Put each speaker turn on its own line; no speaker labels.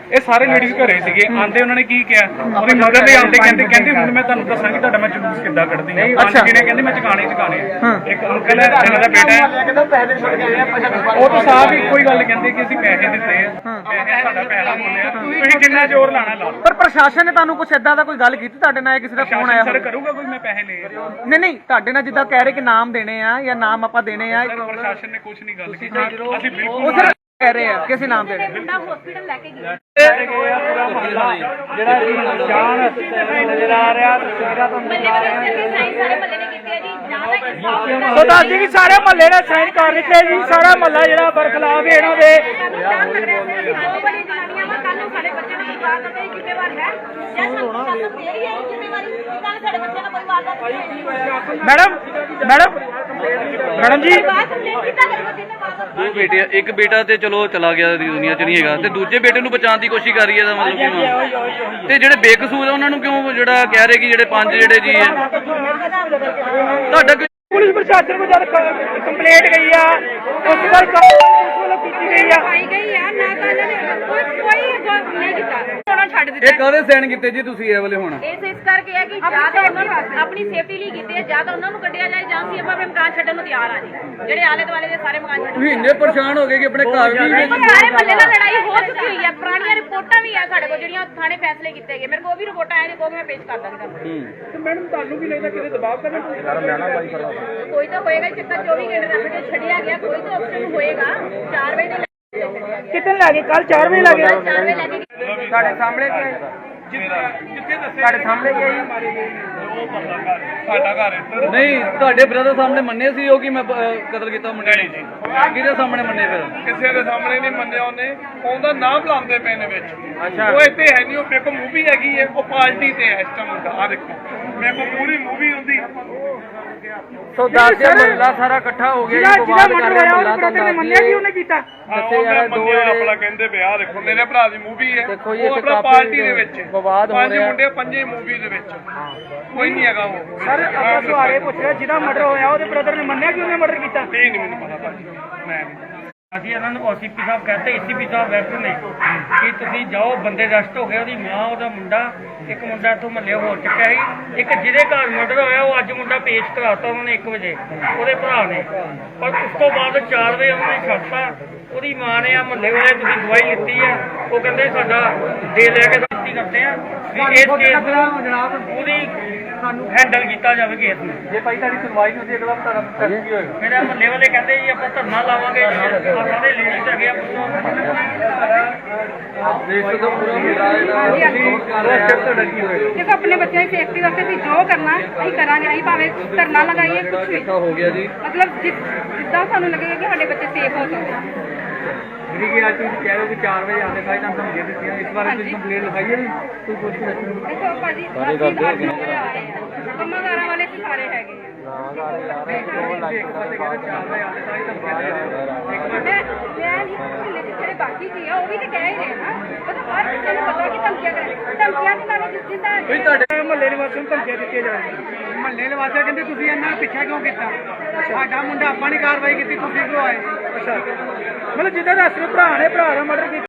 ਇਹ ਸਾਰੇ ਲੇਡੀਜ਼ ਘਰੇ ਸੀਗੇ ਆਂਦੇ ਉਹਨਾਂ ਨੇ ਕੀ ਕਿਹਾ ਉਹਦੀ ਮਦਰ ਨੇ ਆਂਦੇ ਕਹਿੰਦੇ ਹੁਣ ਮੈਂ ਤੁਹਾਨੂੰ ਦੱਸਾਂਗੀ ਤੁਹਾਡਾ ਮੈਂ ਜਲੂਸ ਕਿੱਦਾਂ ਕੱਢਦੀ ਹਾਂ। ਪੰਜ ਜਣੇ ਕਹਿੰਦੇ ਮੈਂ ਚਕਾਣੇ ਇੱਕ ਅੰਕਲ ਹੈ ਇਹਨਾਂ ਦਾ ਬੇਟਾ ਹੈ ਉਹ ਤਾਂ ਸਾਫ ਹੀ ਕੋਈ ਗੱਲ ਕਹਿੰਦੇ ਕਿ ਅਸੀਂ ਪੈਸੇ ਦਿੱਤੇ ਆ ਪੈਸੇ ਸਾਡਾ ਪੈਸਾ ਬੋਲਿਆ ਤੁਸੀਂ ਜਿੰਨਾ ਜ਼ੋਰ ਲਾਣਾ ਲਾ।
ਪਰ ਪ੍ਰਸ਼ਾਸਨ ਨੇ ਤੁਹਾਨੂੰ ਕੁਛ ਏਦਾਂ ਦਾ ਕੋਈ ਗੱਲ ਕੀਤੀ ਤੁਹਾਡੇ ਨਾਲ ਕਿਸੇ ਦਾ ਫੋਨ ਆਇਆ
ਸਰ ਕਰੂਗਾ ਕੋਈ ਮੈਂ ਪੈਸੇ ਲੈ
ਨਹੀਂ ਤੁਹਾਡੇ ਨਾਲ ਜਿੱਦਾਂ ਕਹਿ ਰਹੇ ਕਿ ਨਾਮ ਦੇਣੇ ਆ ਜਾਂ ਨਾਮ ਆਪਾਂ ਦੇਣੇ ਆ
ਪ੍ਰਸ਼ਾਸਨ ਨੇ ਕੁਝ ਨਹੀਂ ਗੱਲ ਕੀਤੀ ਅਸੀਂ
ਉਹ ਸਰ ਕਹਿ ਰਹੇ ਆ ਕਿਸੇ ਨਾਮ ਦੇਣੇ
ਮੁੰਡਾ ਹਸਪੀਟਲ ਲੈ ਕੇ ਗਿਆ
ਪੂਰਾ ਮੁਹੱਲਾ ਜਿਹੜਾ ਨਿਸ਼ਾਨ ਨਜ਼ਰ ਆ ਰਿਹਾ ਤਸਵੀਰਾਂ ਤੋਂ
ਮੱਲੇ ਵਾਲੇ ਸਾਰੇ ਮੱਲੇ ਨੇ ਕੀਤੀ ਹੈ ਜੀ ਜਾਂ
ਤਾਂ ਦੱਸ ਜੀ ਕਿ ਸਾਰੇ ਮਹੱਲੇ ਨੇ ਸਾਈਨ ਕਰ ਦਿੱਤੇ ਜੀ ਸਾਰਾ ਮਹੱਲਾ ਜਿਹੜਾ ਬਰਖਲਾਫ ਹੈ ਇਹਨਾਂ ਦੇ
ਦੋ ਬੜੀ ਜਨਾਨੀਆਂ ਵਾ ਕੱਲ ਨੂੰ ਸਾਡੇ ਬੱਚੇ ਨੂੰ ਕੋਈ ਵਾਰ ਕਰਦੇ ਜ਼ਿੰਮੇਵਾਰ ਹੈ ਜਾਂ ਸਾਨੂੰ ਦੇ ਰਹੀ ਹੈ ਜ਼ਿੰਮੇਵਾਰੀ ਕੱਲ ਸਾਡੇ ਬੱਚੇ ਨੂੰ ਕੋਈ ਵਾਰ ਕਰਦੇ
ਮੈਡਮ ਜੀ
ਬਾਤ ਕੰਪਲੇਂਟ ਕੀਤਾ ਕਰੇ ਬੱਚੇ ਨੇ ਵਾਰ
ਦੋ ਬੇਟੇ ਇੱਕ ਬੇਟਾ ਤੇ ਚਲੋ ਚਲਾ ਗਿਆ ਦੁਨੀਆ 'ਚ ਨਹੀਂ ਹੈਗਾ ਤੇ ਦੂਜੇ ਬੇਟੇ ਨੂੰ ਬਚਾਉਣ ਦੀ ਕੋਸ਼ਿਸ਼ ਕਰ ਰਹੀ ਹੈ ਦਾ ਮਤਲਬ ਕੀ ਤੇ ਜਿਹੜੇ ਬੇਕਸੂਰ ਆ ਉਹਨਾਂ ਨੂੰ ਕਿਉਂ ਜਿਹੜਾ ਕਹਿ ਰਹੇ ਕਿ ਜਿਹੜੇ ਪੰਜ ਜਿਹੜੇ ਜੀ ਹੈ ਤੁਹਾਡਾ
ਪੁਲਿਸ ਪ੍ਰਸ਼ਾਸਨ ਕੋਲ ਜਦ ਕੰਪਲੇਂਟ ਗਈ ਆ ਉਸ ਤੋਂ ਬਾਅਦ ਪੁਲਿਸ ਵੱਲੋਂ ਕੀਤੀ ਗਈ ਆ
ਪਾਈ ਗਈ ਆ ਨਾ ਤਾਂ ਇਹਨਾਂ ਨੇ ਕੋਈ ਨਹੀਂ ਕੀਤਾ ਉਹਨਾਂ ਛੱਡ ਦਿੱਤਾ
ਇਹ ਕਾਹਦੇ ਸਾਈਨ ਕੀਤੇ ਜੀ ਤੁਸੀਂ ਇਹ ਵਾਲੇ ਹੁਣ
ਇਸ ਕਰਕੇ ਹੈ ਕਿ ਜਾਂ ਤਾਂ ਉਹਨਾਂ ਨੂੰ ਆਪਣੀ ਸੇਫਟੀ ਲਈ ਕੀਤੇ ਜਾਂ ਤਾਂ ਉਹਨਾਂ ਨੂੰ ਕੱਢਿਆ ਜਾਏ ਜਾਂ ਅਸੀਂ ਆਪਣੇ ਮਕਾਨ ਛੱਡਣ ਨੂੰ ਤਿਆਰ ਆ ਜੀ ਜਿਹੜੇ ਆਲੇ ਦੁਆਲੇ ਦੇ ਸਾਰੇ ਮਕਾਨ ਛੱਡਣ
ਤੁਸੀਂ ਇੰਨੇ ਪਰੇਸ਼ਾਨ ਹੋ ਗਏ ਕਿ ਆਪਣੇ ਘਰ ਵੀ
ਸਾਰੇ ਮੱਲੇ ਨਾਲ ਲੜਾਈ ਹੋ ਚੁੱਕੀ ਹੋਈ ਹੈ ਪੁਰਾਣੀਆਂ ਰਿਪੋਰਟਾਂ ਵੀ ਆ ਸਾਡੇ ਕੋਲ ਜਿਹੜੀਆਂ ਥਾਣੇ ਫੈਸਲੇ ਕੀਤੇ ਗਏ ਮੇਰੇ ਕੋਲ ਉਹ ਵੀ ਰਿਪੋਰਟਾਂ ਆਏ ਨੇ ਕੋਈ ਮੈਂ ਪੇਸ਼ ਕਰ ਦਾਂਗੀ ਤੁਹਾਨੂੰ
ਮੈਡਮ ਤੁਹਾਨੂੰ ਵੀ ਲੱਗਦਾ ਕਿਤੇ ਦਬਾਅ ਕਰਨਾ
ਕੋਈ ਤਾਂ ਹੋਏਗਾ ਚੱਕਰ 24 ਘੰਟੇ ਦਾ ਆਪਣੇ ਛੱਡਿਆ ਗਿਆ ਕੋਈ ਤਾਂ ਆਪਸ਼ਨ ਹੋਏਗਾ 4 ਵਜੇ ਦੇ
ਕਿਤਨ ਲੱਗੇ ਕੱਲ 4 ਵਜੇ ਲੱਗੇ
4 ਵਜੇ ਲੈ ਕੇ
ਸਾਡੇ ਸਾਹਮਣੇ
ਜਿੱਥੇ ਦੱਸੇ
ਸਾਡੇ ਸਾਹਮਣੇ ਕੀ
ਸਾਡਾ ਘਰ ਇੱਧਰ
ਨਹੀਂ ਤੁਹਾਡੇ ਬ੍ਰਦਰ ਸਾਹਮਣੇ ਮੰਨੇ ਸੀ ਉਹ ਕਿ ਮੈਂ ਕਤਲ ਕੀਤਾ ਮੁੰਡੇ ਨੇ ਜੀ ਕਿਹਦੇ ਸਾਹਮਣੇ ਮੰਨੇ ਫਿਰ
ਕਿਸੇ ਦੇ ਸਾਹਮਣੇ ਨਹੀਂ ਮੰਨਿਆ ਉਹਨੇ ਉਹਦਾ ਨਾਮ ਲਾਉਂਦੇ ਪਏ ਨੇ ਵਿੱਚ
ਅੱਛਾ
ਉਹ ਇੱਥੇ ਹੈ ਨਹੀਂ ਉਹ ਮੇਰੇ ਕੋਲ ਮੂਵੀ ਹੈਗੀ ਹੈ ਉਹ ਪਾਰਟੀ ਤੇ ਹੈ ਇਸ ਟਾਈਮ ਦਾ ਆ ਦੇਖੋ ਮੇਰੇ ਕੋਲ ਪੂਰੀ ਮੂਵੀ ਹੁੰਦੀ
ਸੋ ਦੱਸ ਦੇ ਮਹੱਲਾ ਸਾਰਾ ਇਕੱਠਾ ਹੋ ਗਿਆ ਜੀ ਵਿਵਾਦ ਕਰ ਰਿਹਾ ਮਹੱਲਾ ਤਾਂ ਦੱਸ
ਮੰਨਿਆ ਕਿ ਉਹਨੇ ਕੀਤਾ
ਦੱਸੇ ਯਾਰ ਦੋ
ਆਪਣਾ ਕਹਿੰਦੇ ਵਿਆਹ ਦੇਖੋ ਮੇਰੇ ਭਰਾ ਦੀ ਮੂਵੀ ਹੈ
ਦੇਖੋ ਜੀ
ਉਹ
ਇੱਥੇ
ਆਪਣਾ
ਕਾਫੀ
ਪਾਰਟੀ ਦੇ ਵਿੱਚ
ਵਿਵਾਦ ਹੋ
ਪੰਜ
ਰਿਹਾ
ਮੁੰਡੇ ਪੰਜੇ ਮੂਵੀ ਦੇ ਵਿੱਚ ਕੋਈ ਨਹੀਂ ਹੈਗਾ ਉਹ
ਸਰ ਆਪਾਂ ਸਵਾਰੇ ਪੁੱਛ ਰਿਹਾ ਜਿਹਦਾ ਮਰਡਰ ਹੋਇਆ ਉਹਦੇ ਬ੍ਰਦਰ ਨੇ ਮੰਨਿਆ ਕਿ ਉਹਨੇ ਮਰਡਰ ਕੀਤਾ
ਇਹ ਨਹੀਂ ਮੈਨੂੰ ਪਤਾ ਭਾਜੀ ਮੈਂ ਨਹੀਂ
ਅਸੀਂ ਇਹਨਾਂ ਨੂੰ ਓਸੀਪੀ ਸਾਹਿਬ ਕਹਿੰਦੇ ਏਸੀਪੀ ਸਾਹਿਬ ਵੈਸੇ ਨੇ ਕਿ ਤੁਸੀਂ ਜਾਓ ਬੰਦੇ ਅਰੈਸਟ ਹੋ ਗਏ ਉਹਦੀ ਮਾਂ ਉਹਦਾ ਮੁੰਡਾ ਇੱਕ ਮੁੰਡਾ ਇੱਥੋਂ ਮਹੱਲੇ ਹੋ ਚੁੱਕਿਆ ਸੀ ਇੱਕ ਜਿਹਦੇ ਘਰ ਮਰਡਰ ਹੋਇਆ ਉਹ ਅੱਜ ਮੁੰਡਾ ਪੇਸ਼ ਕਰਾਤਾ ਉਹਨਾਂ ਨੇ 1 ਵਜੇ ਉਹਦੇ ਭਰਾ ਨੇ ਪਰ ਉਸ ਤੋਂ ਬਾਅਦ 4 ਵਜੇ ਉਹਨਾਂ ਨੇ ਛੱਡਤਾ ਉਹਦੀ ਮਾਂ ਨੇ ਆ ਮਹੱਲੇ ਵਾਲੇ ਤੁਸੀਂ ਦਵਾਈ ਲਿੱਤੀ ਹੈ ਉਹ ਕਹਿੰਦੇ ਸਾਡਾ ਦੇ ਲੈ ਕੇ ਦਿੱਤੀ ਕਰਦੇ ਆ ਵੀ ਇਸ ਕੇਸ ਨੂੰ ਉਹਦੀ ਸਾਨੂੰ ਹੈਂਡਲ ਕੀਤਾ ਜਾਵੇ ਕੇਸ ਨੂੰ
ਜੇ ਭਾਈ ਤੁਹਾਡੀ ਸੁਣਵਾਈ ਨਹੀਂ ਹੁੰਦੀ ਅਗਲਾ ਤੁਹਾਡਾ ਪ੍ਰੋਸੈਸ ਕੀ ਹੋਏਗਾ
ਮੇਰੇ ਮਹੱਲੇ ਵਾਲੇ ਕਹਿੰਦੇ ਜੀ ਆਪਾਂ ਧਰਨਾ ਲਾਵਾਂਗੇ ਸਾਰੇ ਲੇਡੀਜ਼ ਹੈਗੇ ਆ
ਦੇਸ਼ ਤੋਂ ਪੂਰਾ ਮੁੱਦਾ ਤੁਹਾਡਾ ਕੀ ਹੋਏਗਾ
ਦੇਖੋ ਆਪਣੇ ਬੱਚਿਆਂ ਦੀ ਸੇਫਟੀ ਵਾਸਤੇ ਅਸੀਂ ਜੋ ਕਰਨਾ ਅਸੀਂ ਕਰਾਂਗੇ ਅਸੀਂ ਭਾਵੇਂ ਧਰਨਾ ਲਗਾਈਏ ਕੁਝ ਵੀ
ਇਕੱਠਾ ਹੋ ਗਿਆ ਜੀ
ਮਤਲਬ ਜਿੱਦਾਂ ਸਾਨੂੰ ਲੱਗੇਗਾ ਕਿ ਸਾਡੇ ਬੱਚੇ ਸੇਫ ਹੋ ਸਕਣ
ਜਿਹੜੀ ਕਿ ਅੱਜ ਤੁਸੀਂ ਕਹਿ ਰਹੇ ਹੋ ਕਿ 4 ਵਜੇ ਆਉਂਦੇ ਸਾਈ ਤੁਹਾਨੂੰ ਧਮਕੀਆਂ ਦਿੱਤੀਆਂ ਇਸ ਬਾਰੇ ਤੁਸੀਂ ਕੰਪਲੇਂਟ ਲਿਖਾਈ ਹੈ ਕੋਈ ਕੁਝ
ਦੇਖੋ ਭਾਜੀ ਅਸੀਂ 8 ਵਜੇ ਆ ਰਹੇ ਹਾਂ ਕੰਮਾਂਦਾਰਾਂ ਵਾਲੇ ਵੀ ਸਾਰੇ ਹੈਗੇ ਜਿਹੜੇ ਬਾਕੀ ਜੀ ਆ ਉਹ ਵੀ ਤਾਂ ਕਹਿ ਹੀ ਰਹੇ ਨਾ ਮਤਲਬ ਹਰ ਕਿਸੇ ਨੂੰ ਪਤਾ ਕਿ ਧਮਕੀਆਂ ਦੀ ਨਾਲੇ ਜਿੱਦਾਂ
ਮਹੱਲੇ ਨਿਵਾਸੀਆਂ ਨੂੰ ਧਮਕੀਆਂ ਦਿੱਤੀਆਂ ਜਾ ਰਹੀਆਂ ਮਹੱਲੇ ਨਿਵਾਸੀ ਕਹਿੰਦੇ ਤੁਸੀਂ ਇਹਨਾਂ ਪਿੱਛਾ ਕਿਉਂ ਕੀਤਾ ਸਾਡਾ ਮੁੰਡਾ ਆਪਾਂ ਨੇ ਕਾਰਵਾਈ ਕੀਤੀ ਤੁਸੀਂ ਕਿਉਂ ਆਏ ਅੱਛਾ ਮਤਲਬ ਜਿੱਦਾਂ ਦੱਸ ਰਹੇ ਭਰਾ ਨੇ ਭਰਾ ਦਾ ਮਰਡਰ ਕੀਤਾ